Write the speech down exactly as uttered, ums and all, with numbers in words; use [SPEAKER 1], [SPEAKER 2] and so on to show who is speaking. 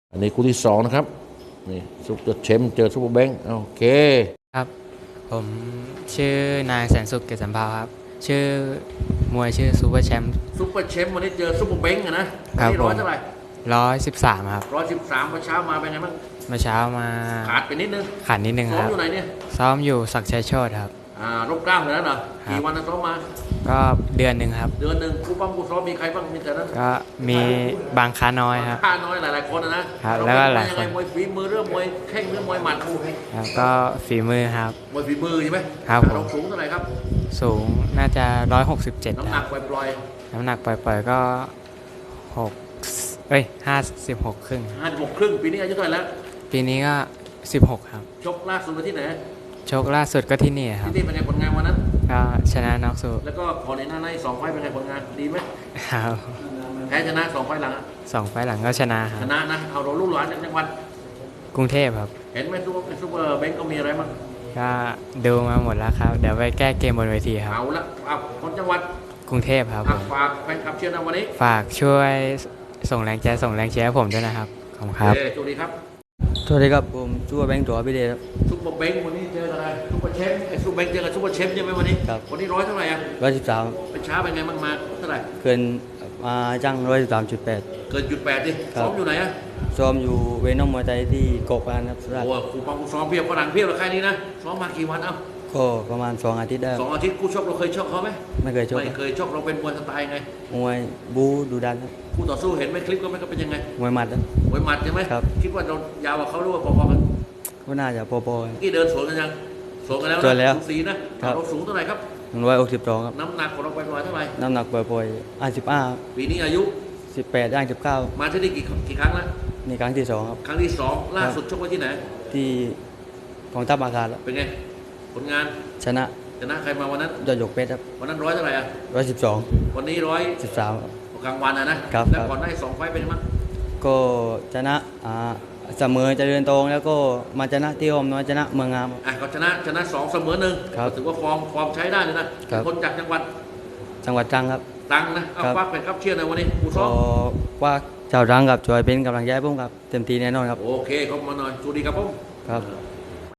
[SPEAKER 1] อันนี้คู่ที่สองนะครับนี่ซุปเปอร์เชมป์เจอซุปเปอร์แบงค์โอเค
[SPEAKER 2] ครับผมชื่อนายแสนสุขเกษสัมภาวครับชื่อมวยชื่อซูเปอร์แชมป์
[SPEAKER 1] ซุปเปอร์เชมป์วันนี้เจอซุปเปอร์แบงค์อะนะวัน
[SPEAKER 2] ครับ
[SPEAKER 1] นี้
[SPEAKER 2] ผ
[SPEAKER 1] ร้อย
[SPEAKER 2] ม
[SPEAKER 1] เท่าไหร่
[SPEAKER 2] ร้อยสิบสามครับ
[SPEAKER 1] ร้อยสิบสามเมื่อเช้ามาเป็นไงบ้าง
[SPEAKER 2] เมื่อเช้ามา
[SPEAKER 1] ขาดไปนิดนึง
[SPEAKER 2] ขาดนิดนึง
[SPEAKER 1] ซ้อ
[SPEAKER 2] ครับ
[SPEAKER 1] มอยู่ไหนเนี่ย
[SPEAKER 2] ซ้อมอยู่ศักดิ์ชัยโชติครับ
[SPEAKER 1] อ่ารบกล้ามเลยนะเหรอกี่วันนะซ้อมมา
[SPEAKER 2] ก็เดือนหนึ่งครับ
[SPEAKER 1] เดือนหนึ่งคู่ปั้มคู่ซ้อมมีใครบ้างมีแต่นั้น
[SPEAKER 2] ก็มีบางค้าน้อยครับ
[SPEAKER 1] ค่าน้อยหลายๆคนนะครับ
[SPEAKER 2] แล้วก็หลายคน
[SPEAKER 1] มวยฝีมือเรื่องมวยแข้งเรื่องมวยหมัด
[SPEAKER 2] แล้วก็ฝีมือครับ
[SPEAKER 1] มวยฝีมือใช่ไหม
[SPEAKER 2] ครับผม
[SPEAKER 1] เราสูงเท่าไหร่ครับ
[SPEAKER 2] สูงน่าจะร้อยหกสิบเจ็ด
[SPEAKER 1] น้ำหนักปล่อย
[SPEAKER 2] น้ำหนักปล่อยๆก็หกเอ้ยห้าสิบหกครึ่ง
[SPEAKER 1] ห้าสิบหกครึ่งปีนี้อายุเท่าไหร่แล้ว
[SPEAKER 2] ปีนี้ก็สิบหกครับ
[SPEAKER 1] ชกล่าสุดไปที่ไหน
[SPEAKER 2] ชกล่าสุดก็ที่นี่ครับ
[SPEAKER 1] ที่นี่เป็นไงผลงานวันนั้น
[SPEAKER 2] ก็ชนะน็อกสู
[SPEAKER 1] แล้วก็ขอในหน้าในสองไฟเป็นไงผลงานดีไหม
[SPEAKER 2] ครับ
[SPEAKER 1] แพ้ชนะสองไฟหลัง
[SPEAKER 2] สองไฟหลังก็ชนะครั
[SPEAKER 1] ช
[SPEAKER 2] บ
[SPEAKER 1] นะนะเอาเราลูกหลานจากจังหวัด
[SPEAKER 2] กรุงเทพครับ
[SPEAKER 1] เห็นไหมซุปเปอร์ซุปเปอร์เบงก็มีอะไรบ้าง
[SPEAKER 2] ก็ดูมาหมดแล้วครับเดี๋ยวไปแก้เกมบนเวทีครับ
[SPEAKER 1] เอาละเอาคนจังหวัด
[SPEAKER 2] กรุงเทพครับผม
[SPEAKER 1] ฝากแฟนคลับเชียร์นะวันนี้
[SPEAKER 2] ฝากช่วยส่งแรงใจส่งแรงเชียร์ให้ผมด้วยนะครับขอบคุณครับ
[SPEAKER 1] สวัสดีครับ
[SPEAKER 3] สวัสดีครับผมชื่อว่าแบงค์ตัวพี่เดชครับ
[SPEAKER 1] ซุปเปอร์เบงวันนี้เจออะไรซุปเปอร์เชฟไอ้ซุปเปอร์เบงเจอกับซุปเปอร์เชฟใช่ไหมวันนี้
[SPEAKER 3] ครับ
[SPEAKER 1] วันนี้ร้อยเท่าไหร่อ่ะ
[SPEAKER 3] ร้อยสิบสาม
[SPEAKER 1] เป็นช้าเป็นไงบ้างมาเท่าไหร่
[SPEAKER 3] เกินมาจังร้อยสิบสามจุดแปด
[SPEAKER 1] เกินจุดแปดดิซ้อมอยู่ไหนอ่ะ
[SPEAKER 3] ซ้อมอยู่เวนอมมวยไทยที่เกาะพะงันครับสุราษฎ
[SPEAKER 1] โอ้
[SPEAKER 3] ร์
[SPEAKER 1] ครูปังครูซ้อมเพียบฝรั่งเพียบแล้วใครนี้นะซ้อมมากี่วันเอ้า
[SPEAKER 3] ก็ประมาณสองอาทิตย์ได้
[SPEAKER 1] สองอาทิตย์คู่ชกเราเคยชกเขาไหม
[SPEAKER 3] ไม่เคยชก
[SPEAKER 1] ไม่เคยชกเราเป็นมวยสไตล์ไง
[SPEAKER 3] มวยบูดูดันครับ
[SPEAKER 1] คู่ต่อสู้เห็นไหมคลิปก็ไม่ก็เป็นยังไง
[SPEAKER 3] มวยหมัดครับ
[SPEAKER 1] มวยหมัดใช่ไหม
[SPEAKER 3] ครับ
[SPEAKER 1] คิดว่าเรายาวกว่าเขาหรือว่าพอๆกัน
[SPEAKER 3] ก็น่าจะพอๆกัน
[SPEAKER 1] ที่เดินสวนกันยังสวนกันแล้วนะ
[SPEAKER 3] สวนแล้ว
[SPEAKER 1] สูสีนะครับเราสูงเท่าไหร่ครับ
[SPEAKER 3] หนึ่งร้อยหกสิบสองครับ
[SPEAKER 1] น้ำหนักของเราไปประมาณเท่าไหร่
[SPEAKER 3] น้ำหนักปล่อยๆห้าสิบห้า
[SPEAKER 1] ปีนี้อายุ
[SPEAKER 3] สิบแปดย่างสิบเก้า
[SPEAKER 1] มาที่นี่กี่กี่ครั้งแล้ว
[SPEAKER 3] นี่ครั้งที่สองครับ
[SPEAKER 1] ครั้งที่สองล่าสุดชกไว้ที่ไหน
[SPEAKER 3] ที่ของทัพอาคารแล้ว
[SPEAKER 1] เป็นไงผลงาน
[SPEAKER 3] ชนะ
[SPEAKER 1] ชนะใครมาวันนั้น
[SPEAKER 3] ยอดหยกเพชรครับ
[SPEAKER 1] วันนั้นร้อยเท่าไหร่อ่ะ
[SPEAKER 3] ร้อยสิบสอง
[SPEAKER 1] วันนี้ร้อย
[SPEAKER 3] สิบสาม
[SPEAKER 1] กลางวันอ่ะนะครับแล้วก่อนได้สองไฟเป็นมั้ง
[SPEAKER 3] ก็ชนะอ่าเสมอเจริญตรงแล้วก็มาชนะที่อมน้อยชนะเมืองงาม
[SPEAKER 1] อ่ะก็ชนะชนะสองเสมอหนึ่งถือว่าฟอร์มฟอร์มใช้ได้เลยนะคนจากจังหวัด
[SPEAKER 3] จังหวัดตรังครับ
[SPEAKER 1] ตรังนะเอาฟักเป็นครับเชียร์ในวันนี้ผู้ซ้อม
[SPEAKER 3] ว่าชาวตรังกับช่วยเป็นกำลังใจให้ผมครับเต็มที่แน่นอนครับ
[SPEAKER 1] โอเคขอบคุณมาหน่อยสวัสดีครับผม
[SPEAKER 3] ครับ